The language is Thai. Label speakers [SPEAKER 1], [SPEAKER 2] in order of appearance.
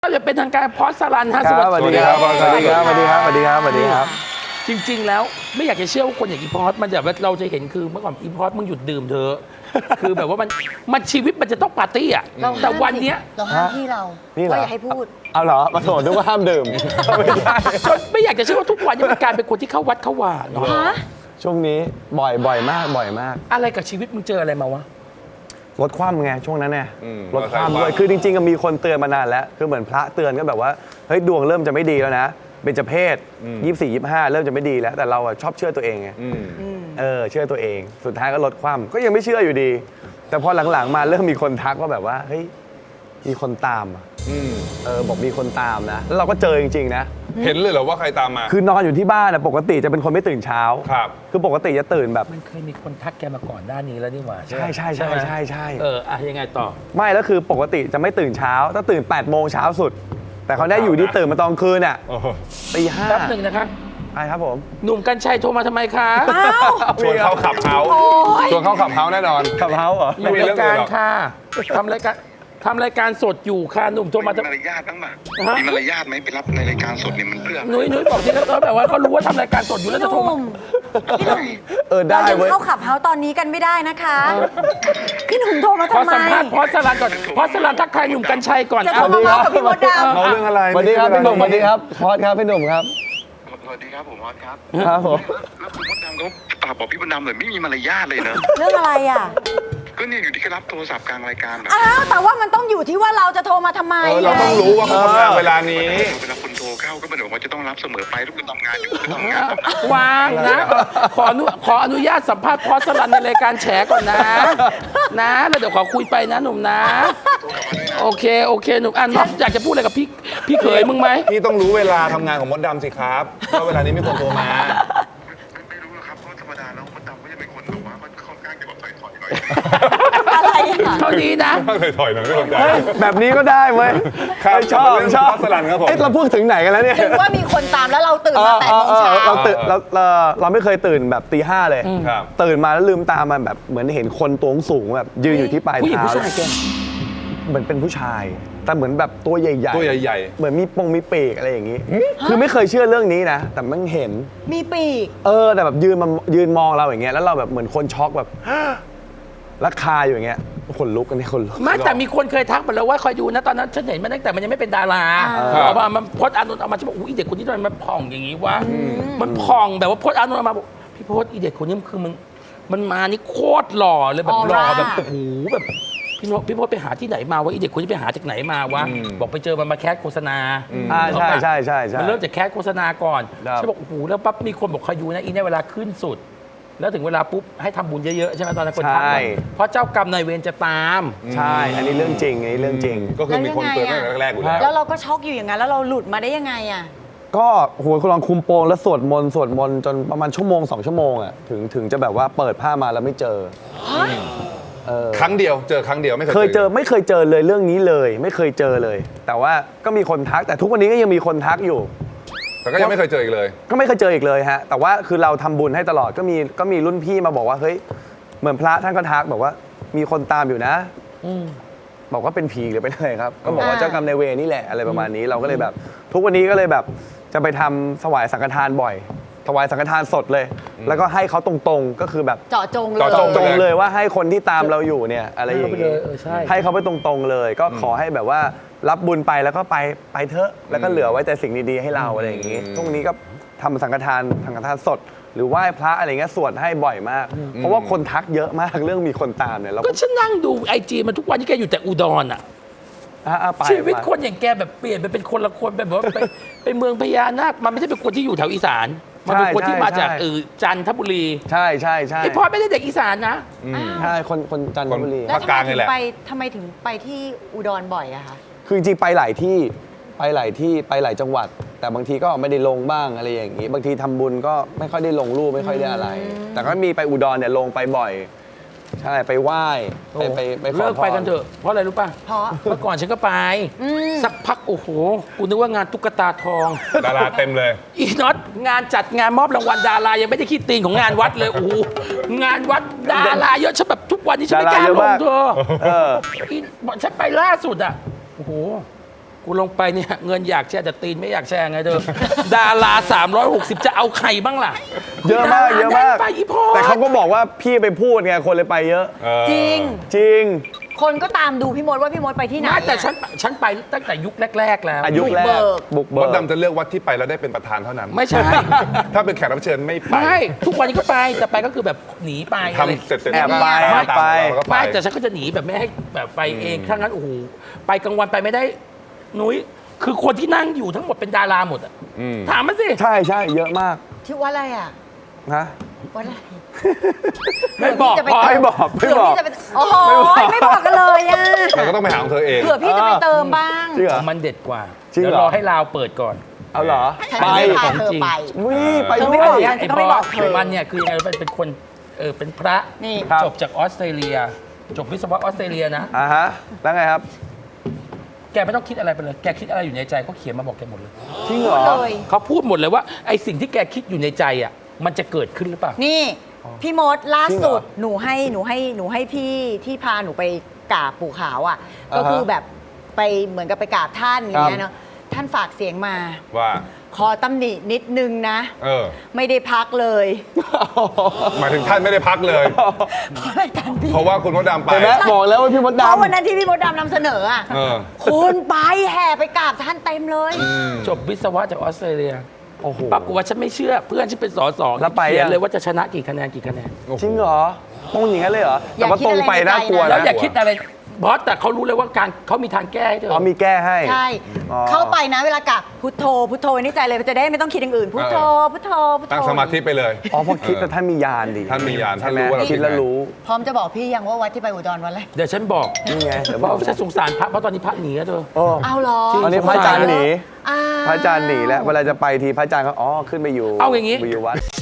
[SPEAKER 1] ก็จะเป็นทางการพอสลันฮะ
[SPEAKER 2] สวัสดีครับสวัสดีครับสวัสดีครับสวัสดีครับสวัสดีครับ
[SPEAKER 1] จริงๆแล้วไม่อยากจะเชื่อว่าคนอย่างอีพอสมันจะเราจะเห็นคือเมื่อก่อนอีพอสมึงหยุดดื่มเถอะ คือแบบว่ามันชีวิตมันจะต้องปาร์ตี้อ่ะแต่วันเนี้ย
[SPEAKER 3] เราห้ามพี่เรา
[SPEAKER 2] นี่เหรอ
[SPEAKER 3] ว่าอย่าให้พูด
[SPEAKER 2] เอาเหรอมาโถนึกว่าห้ามดื่มไม่ใช่
[SPEAKER 1] จนไม่อยากจะเชื่อว่าทุกวันนี้มันกลายเป็นคนที่เข้าวัดเข้าวาเนาะ
[SPEAKER 3] ฮะ
[SPEAKER 2] ช่วงนี้บ่อยมากบ่อยมาก
[SPEAKER 1] อะไรกับชีวิตมึงเจออะไรมาวะ
[SPEAKER 2] ลดความไงช่วงนั้นเนี่ย
[SPEAKER 4] อืม
[SPEAKER 2] ลดความด้วยคือจริงๆก็มีคนเตือนมานานแล้วคือเหมือนพระเตือนก็แบบว่าเฮ้ยดวงเริ่มจะไม่ดีแล้วนะเบญจเพศ24 25เริ่มจะไม่ดีแล้วแต่เราอะชอบเชื่อตัวเองไงเชื่อตัวเองสุดท้ายก็ลดความก็ยังไม่เชื่ออยู่ดี แต่พอหลังๆมาเริ่มมีคนทักว่าแบบว่าเฮ้ยมีคนตามอะบอกมีคนตามนะแล้วเราก็เจอจริงๆนะ
[SPEAKER 4] เห็นเลยเหรอว่าใครตามมา
[SPEAKER 2] คือนอนอยู่ที่บ้านนะปกติจะเป็นคนไม่ตื่นเช้า
[SPEAKER 4] ครับ
[SPEAKER 2] คือปกติจะตื่นแบบ
[SPEAKER 1] มันเคยมีคนทักแกมาก่อนหน้านี้แล้วนี่หว่า
[SPEAKER 2] ใช่ใช่ใช่
[SPEAKER 1] ไหม
[SPEAKER 2] ใช่ใช่
[SPEAKER 1] ยังไงต่อ
[SPEAKER 2] ไม่แล้วคือปกติจะไม่ตื่นเช้าถ้าตื่น8 โมงเช้าสุด แต่เขาได้อยู่ที่ตื่นมาตอนคืนอ่ะ
[SPEAKER 4] โอ้โห
[SPEAKER 2] ตีห้า
[SPEAKER 1] แป๊บหนึ่งนะคะ
[SPEAKER 2] ใช่ครับผม
[SPEAKER 1] หนุ่มกัญชัยโทรมาทำไมคะ
[SPEAKER 4] ชวนเขาขับเฮาส์ชวนเขาขับเฮาส์แน่นอน
[SPEAKER 2] ขับเฮาเหรอ
[SPEAKER 1] อยู่รายการค่ะทำรายการสดอยู่ค่ะหนุ่มโทรมา
[SPEAKER 5] มีมารยาทบ้างป่ะ
[SPEAKER 1] ฮะ
[SPEAKER 5] มีมารยาทไหมไปรับในรายการสดเนี่ยมันเพื่อ
[SPEAKER 1] นุ้ยบอกที่เขาแบบว่าเขารู้ว่าทำรายการสดอยู่แล้วจะโทรมา
[SPEAKER 3] พี่หนุ่ม
[SPEAKER 2] ได้
[SPEAKER 3] เรายัง
[SPEAKER 2] เว้ย
[SPEAKER 3] เข้าขับเฮาส์ตอนนี้กันไม่ได้นะคะ พี่หนุ่มโทรมา
[SPEAKER 1] ขอ
[SPEAKER 3] ทำไม
[SPEAKER 1] สัมภาษณ์พอสลันก่อนพอสลันทักทายหนุ่มกัญชัยก่อน
[SPEAKER 3] จะโทรมาเมาส์กับพี่มดดำ
[SPEAKER 4] เอาเรื่องอะไร
[SPEAKER 2] สวัสดีครับพี่หนุ่มสวัสดีครับพอดครับพี่หนุ่มครับ
[SPEAKER 5] สวัสดีครับผมออสครับ
[SPEAKER 2] ครับผม
[SPEAKER 5] แล้วคุณมดดำเขาฝากบอกพี่มดดำเลยไม่มีมารยาทเลยเนอะ
[SPEAKER 3] เรื่องอะไรอ่ะ
[SPEAKER 5] ก็เนี่ยอยู่ที่แค่รับโทรศัพท์กลางรายการแบบ
[SPEAKER 3] อ้าวแต่ว่ามันต้องอยู่ที่ว่าเราจะโทรมาทำไม
[SPEAKER 4] เราต้องรู้ว่าเขาทำงานเวลานี้
[SPEAKER 5] เวลาคุณโทรเข้าก็ไม่ได้บอกว่าจะต้องรับเสมอไปทุกคนทำงานอยู่ก็ทำงาน
[SPEAKER 1] วางนะขออนุญาตสัมภาษณ์พอสลันในรายการแฉก่อนนะแล้วเดี๋ยวขอคุยไปนะหนุ่มนะ โอเคหนุ่มน้องอยากจะพูดอะไรกับพี่เขยมึงไหม
[SPEAKER 4] พี่ต้องรู้เวลาทำงานของมดดำสิครับว่าเวลานี้มีคนโทรมา
[SPEAKER 5] ไม่รู้หรอกครับเพราะธรรมดาแล้วมดดำก็จะเป็นคนแบบว่ามันค่อนข้างจะแบบถอยๆหน่อย
[SPEAKER 3] อะไรอ่ะ
[SPEAKER 1] เท่านี้นะ
[SPEAKER 4] ถอยๆหน่อยไม่สนใจ
[SPEAKER 2] แบบนี้ก็ได้เว้ย
[SPEAKER 4] ครับ
[SPEAKER 2] ชอบ
[SPEAKER 4] เรื่อง
[SPEAKER 2] ชอบ
[SPEAKER 4] พอสลันครับผม
[SPEAKER 2] เอ๊ะเราพูดถึงไหนกันแล้วเนี่ย
[SPEAKER 3] ถึงว่ามีคนตามแล้วเราตื่นมา8 โมงเช้า
[SPEAKER 2] เราตื่นเราไม่เคยตื่นแบบตี 5เลย
[SPEAKER 4] ครับ
[SPEAKER 2] ตื่นมาแล้วลืมตามันแบบเหมือนเห็นคนตัวสูงแบบยืนอยู่ที่ปลาย
[SPEAKER 1] ผู้หญิง
[SPEAKER 2] เท้า
[SPEAKER 1] ผู้ชายแก
[SPEAKER 2] เหมือนเป็นผู้ชาย แต่เหมือนแบบตัวใหญ่ๆ
[SPEAKER 4] ตัวใหญ่
[SPEAKER 2] เหมือนมีปีกอะไรอย่างนี้ คือไม่เคยเชื่อเรื่องนี้นะ แต่มันเห็น
[SPEAKER 3] มีปีก
[SPEAKER 2] แต่แบบยืนมองเราอย่างเงี้ยแล้วเราแบบเหมือนคนช็อกแบบ แล้วคาอยู่อย่างเงี้ยขนลุกกันนี่ขนลุก
[SPEAKER 1] ไม่แต่มีคนเคยทักมาแล้วว่าคอยดูนะตอนนั้นฉันเห็นมันตั้งแต่มันยังไม่เป็นดารา
[SPEAKER 4] ครับ
[SPEAKER 1] เอามามันพจน์อานนท์เอามาฉันบอกอุ้ยเด็กคนนี้ทำไมมันผ่องอย่างนี้วะมันผ่องแบบว่าพจน์อานนท์เอามาบอกพี่พจน์อีเด็กคนนี้มันคือมันมานี่โคตรหล่อเลยแบบหล่อแบบโอ้โหแบบพี่พจน์ไปหาที่ไหนมาวะอีเด็กคนนี้ไปหาจากไหนมาวะบอกไปเจอมันมาแคสโฆษณา
[SPEAKER 2] ใช่ใช่ใช่ใช่
[SPEAKER 1] มันเริ่มจากแคสโฆษณาก่อน
[SPEAKER 2] ครับ
[SPEAKER 1] ฉันบอกโอ้โหแล้วปั๊บมีคนบอกคอยดูนะอีเนี่ยเวลาขึ้นสุด แล้วถึงเวลาปุ๊บให้ทำบุญเยอะๆใช่ไหมตอนนั้นคนทัก
[SPEAKER 2] ใช่
[SPEAKER 1] เพราะเจ้ากรรมนายเวรจะตาม
[SPEAKER 2] ใช่ อันนี้เรื่องจริงอันนี้เรื่องจริง
[SPEAKER 4] ก็คือมีคนเตือนตั้งแต่แรกๆอยู่แล้ว
[SPEAKER 3] แล้วเราก็ช็อกอยู่อย่างนั้นแล้วเราหลุดมาได้ยังไงอ่ะ
[SPEAKER 2] ก็โหคุณลองคุมโปงแล้วสวดมนต์จนประมาณชั่วโมง 2 ชั่วโมงอ่ะถึงจะแบบว่าเปิดผ้ามาแล้วไม่เจอ
[SPEAKER 4] ครั้งเดียวเจอครั้งเดียวไม่
[SPEAKER 2] ไม่เค
[SPEAKER 4] เค
[SPEAKER 2] ย
[SPEAKER 4] ย
[SPEAKER 2] เจอไม่เคยเจอเลยเรื่องนี้เลย ไม่เคยเจอเลย แต่ว่าก็มีคนทักแต่ทุกวันนี้ก็ยังมีคนทักอยู่
[SPEAKER 4] แต่ก็ยังไม่เคยเจออีกเลย
[SPEAKER 2] ก็ไม่เคยเจออีกเลยฮะ แต่ว่าคือเราทำบุญให้ตลอดก็มีรุ่นพี่มาบอกว่าเฮ้ยเหมือนพระท่านก็ทักบอกว่ามีคนตามอยู่นะบอกว่าเป็นผีหรือเป็นอะไรครับ ก็บอกว่าเจ้ากรรมนายเวรนี่แหละอะไรประมาณนี้เราก็เลยแบบ ทุกวันนี้ก็เลยแบบจะไปทำถวายสังฆทานบ่อย ถวายสังฆทานสดเลย แล้วก็ให้เขาตรงๆก็คือแบบ
[SPEAKER 3] เจาะจงเลย
[SPEAKER 4] เจาะจ
[SPEAKER 2] ตรงเลยว่าให้คนที่ตามเราอยู่เนี่ยอะไรอย่าง
[SPEAKER 1] ให้
[SPEAKER 2] นี้
[SPEAKER 1] เขาไปเลยใช่
[SPEAKER 2] ให้เขาไปตรงๆเลย ก็ขอให้แบบว่ารับบุญไปแล้วก็ไปเถอะแล้วก็เหลือไว้แต่สิ่งดีๆให้เราอะไรอย่างนี้ทุกวันนี้ก็ทำสังฆทานสด หรือไหว้พระอะไรเงี้ยสวดให้บ่อยมาก เพราะว่าคนทักเยอะมากเรื่องมีคนตามเนี่ยเรา
[SPEAKER 1] ก็ฉันนั่งดูไอจีมันทุกวันที่แกอยู่แต่อุดรอ่ะ
[SPEAKER 2] ไป
[SPEAKER 1] ชีวิตคนอย่างแกแบบเปลี่ยนไปเป็นคนละคนแบบว่าไปเมืองพญานาคมันไม่ใช่เป็นคนที่อยู่แถวอีสานมันเป็นคนที่มาจากจันทบุรี
[SPEAKER 2] ใช่ใช่
[SPEAKER 1] ไอพอไม่ได้เด็กอีสานนะ
[SPEAKER 2] ใช่คนจันทบุรี
[SPEAKER 3] แล้ว
[SPEAKER 4] ภาคกลางนี่แหละ
[SPEAKER 3] ทำไมถึงไปที่อุดรบ่อยอะคะ
[SPEAKER 2] คือจริงๆไปหลายที่ไปหลายจังหวัด แต่บางทีก็ไม่ได้ลงบ้างอะไรอย่างนี้ บางทีทำบุญก็ไม่ค่อยได้ลงรูปไม่ค่อยได้อะไร แต่ก็มีไปอุดรเนี่ยลงไปบ่อย ใช่ไปไหว้ไปขอ
[SPEAKER 1] เลิก
[SPEAKER 2] พร
[SPEAKER 1] ไปกันเถอะเพราะอะไรรู้ป่ะ
[SPEAKER 3] เพราะ
[SPEAKER 1] เมื่อก่อนฉันก็ไปสักพักโอ้โหกูนึกว่างานตุ๊กตาทอง
[SPEAKER 4] ดาราเต็มเลย
[SPEAKER 1] อีน็อตงานจัดงานมอบรางวัลดารายังไม่ได้คิดตีนของงานวัดเลยโอ้โหงานวัดดาราเยอะฉันแบบทุกวันนี้ฉันไม่กล้าลงเธอ
[SPEAKER 2] เออ
[SPEAKER 1] อีบอกฉันไปล่าสุดอ่ะโอ้โหกูลงไปเนี่ยเงินอยากแชร์แต่ตีนไม่อยากแชร์ไงเธอ ดารา360จะเอาใครบ้างล่ะ
[SPEAKER 2] เยอะมากเยอะมาก
[SPEAKER 1] ไปอีพอ
[SPEAKER 2] แต่เขาก็บอกว่าพี่ไปพูดไงคนเลยไปเยอะ
[SPEAKER 3] จริง
[SPEAKER 2] จริง
[SPEAKER 3] คนก็ตามดูพี่มดว่าพี่มดไปที่ไหน
[SPEAKER 1] ไม่แต่
[SPEAKER 3] อะ
[SPEAKER 1] ฉันไปตั้งแต่ยุคแรก ๆ แล้ว
[SPEAKER 2] อายุแรกบุก
[SPEAKER 4] ม
[SPEAKER 2] เบิ
[SPEAKER 4] ด
[SPEAKER 2] ก
[SPEAKER 4] ดำจะเลือกวัดที่ไปแล้วได้เป็นประธานเท่านั้น
[SPEAKER 1] ไม่ใช่
[SPEAKER 4] ถ้าเป็นแขกรับเชิญไม่ไป
[SPEAKER 1] ไม่ทุกวันนี้ก็ไปแต่ไปก็คือแบบหนีไปอะไร
[SPEAKER 4] ทำเสร็จ
[SPEAKER 2] แอบไป
[SPEAKER 4] ก็
[SPEAKER 2] แอบไป
[SPEAKER 4] ตามเราก็ไป
[SPEAKER 1] ไม่แต่ฉันก็จะหนีแบบไม่ให้แบบไปเองถ้างั้นโอ้โหไปกลางวันไปไม่ได้นุ้ยคือคนที่นั่งอยู่ทั้งหมดเป็นดาราหมดอะถามมาสิ
[SPEAKER 2] ใช่ใช่เยอะมาก
[SPEAKER 3] ที่วัดอะไรอ่ะ
[SPEAKER 2] ฮะ
[SPEAKER 3] วัดอะไร
[SPEAKER 1] ไม่บอก
[SPEAKER 3] เผื่
[SPEAKER 1] พอ
[SPEAKER 3] พี่จะป
[SPEAKER 2] ไม่บอกไม่
[SPEAKER 3] เผื่อ
[SPEAKER 2] บอก
[SPEAKER 3] พี่จะไปโอ้โหไม่บอกกันเลยอ่ะ
[SPEAKER 4] เราก็ต้องไปหาของเธอเอง
[SPEAKER 3] เผื่อพี่จะไปเติมบ้าง
[SPEAKER 2] จริงเหรอ
[SPEAKER 1] มันเด็ดกว่า
[SPEAKER 2] จริงเหรอ
[SPEAKER 1] เดี๋ยวรอให้ลาวเปิดก่อน
[SPEAKER 2] เอาเหรอ
[SPEAKER 3] ฉัน
[SPEAKER 2] ไป
[SPEAKER 3] ไม่พาเธอไป
[SPEAKER 2] วิ่ไป
[SPEAKER 3] เธอ
[SPEAKER 2] ด้
[SPEAKER 3] ไม่
[SPEAKER 2] ว
[SPEAKER 3] บอก
[SPEAKER 2] ย
[SPEAKER 3] ฉันก็ไม่บอกเธอ
[SPEAKER 1] มันเนี่ยคือยังไงเป็นคนเป็นพระ
[SPEAKER 3] นี่
[SPEAKER 2] ครับ
[SPEAKER 1] จบจากออสเตรเลีย จบวิศวะออสเตรเลียนะ
[SPEAKER 2] อ่าฮะแล้วไงครับ
[SPEAKER 1] แกไม่ต้องคิดอะไรไปเลย แกคิดอะไรอยู่ในใจเขาเขียนมาบอกแกหมดเลย
[SPEAKER 2] จริงเหรอ
[SPEAKER 3] เลย
[SPEAKER 1] เขาพูดหมดเลยว่าไอ้สิ่งที่แกคิดอยู่ในใจอ่ะมันจะเกิดขึ้นหรือเปล่า
[SPEAKER 3] นี่พี่มดล่า
[SPEAKER 2] จริงเหร
[SPEAKER 3] สุ
[SPEAKER 2] อ
[SPEAKER 3] ดหนูให้พี่ที่พาหนูไปกราบปู่ขาวอ่ะ
[SPEAKER 2] อ่าฮะ
[SPEAKER 3] ก็คือแบบไปเหมือนกับไปกราบท่านอย่างเงี้ยเนาะท่านฝากเสียงมา
[SPEAKER 4] ว่า
[SPEAKER 3] ขอตำหนินิดนึงนะ
[SPEAKER 4] เออ
[SPEAKER 3] ไม่ได้พักเลย
[SPEAKER 4] หมายถึงท่านไม่ได้พักเลย
[SPEAKER 3] เพราะรายการพี่
[SPEAKER 4] เพราะว่าคุณมดดำไป
[SPEAKER 2] เห็นไหมบอกแล้วว่าพี่มด
[SPEAKER 3] เพราะวัน
[SPEAKER 2] ดำ
[SPEAKER 3] นั้นที่พี่มดดำนำเสนออ่ะ
[SPEAKER 4] เออ
[SPEAKER 3] คนไปแห่ไปกราบท่านเต็มเลย
[SPEAKER 1] จบวิศวะจากออสเตรเลีย
[SPEAKER 2] โอ้โห
[SPEAKER 1] ปรากฏว่าฉันไม่เชื่อ เพื่อนฉันเป็นสส
[SPEAKER 2] แล้วไป
[SPEAKER 1] เขียน
[SPEAKER 2] ยัง
[SPEAKER 1] เลยว่าจะชนะกี่คะแนนกี่คะแนน
[SPEAKER 2] จริงเหรอตรงอย่างนั้นเลยเหรอ
[SPEAKER 3] อ
[SPEAKER 2] แต่
[SPEAKER 3] ย่า
[SPEAKER 2] ว่า
[SPEAKER 3] คิด
[SPEAKER 2] ตรงไป
[SPEAKER 3] อะไรในใจ
[SPEAKER 2] น่ากลัว
[SPEAKER 3] นะ
[SPEAKER 1] แล้ว
[SPEAKER 2] นะ
[SPEAKER 1] อย่าคิดอะไรบอสแต่เขารู้เลยว่าการเขามีทางแก้ให้เธอ
[SPEAKER 2] อ๋อมีแก้ให้
[SPEAKER 3] ใช่
[SPEAKER 2] อ๋อ
[SPEAKER 3] เข้าไปนะเวลากราบพุทโธพุทโธไว้ในใจเลยจะได้ไม่ต้องคิดอย่างอื่น พุทโธพุทโธพุทโธ
[SPEAKER 4] ตั้งสมาธิไปเลย
[SPEAKER 2] อ๋อเพราะคิดแต่ท่านมียานดิ
[SPEAKER 4] ท่านมียานท่าน
[SPEAKER 2] ใช่ไหม
[SPEAKER 4] รู้ว่าเรา
[SPEAKER 2] คิดแล้วรู้
[SPEAKER 3] พร้อมจะบอกพี่ยังว่าวัดที่ไปอุดรวันอะไร
[SPEAKER 1] เดี๋ยวฉันบอก
[SPEAKER 2] นี่ไงเดี๋ยว
[SPEAKER 1] เพ
[SPEAKER 2] บอก
[SPEAKER 1] ราะฉันสงสารพระเพราะตอนนี้พระหนีแล้วเธอ
[SPEAKER 2] โอ้
[SPEAKER 3] เอาเหรอ
[SPEAKER 2] ตอนนี้พระอาจารย์หนี
[SPEAKER 3] อ้าว
[SPEAKER 2] พระอาจารย์หนีแล้วเวลาจะไปทีพระอาจารย์ก็อ๋อขึ้นไปอยู่
[SPEAKER 1] เอาอย่างงี้
[SPEAKER 2] ไปอยู่วัด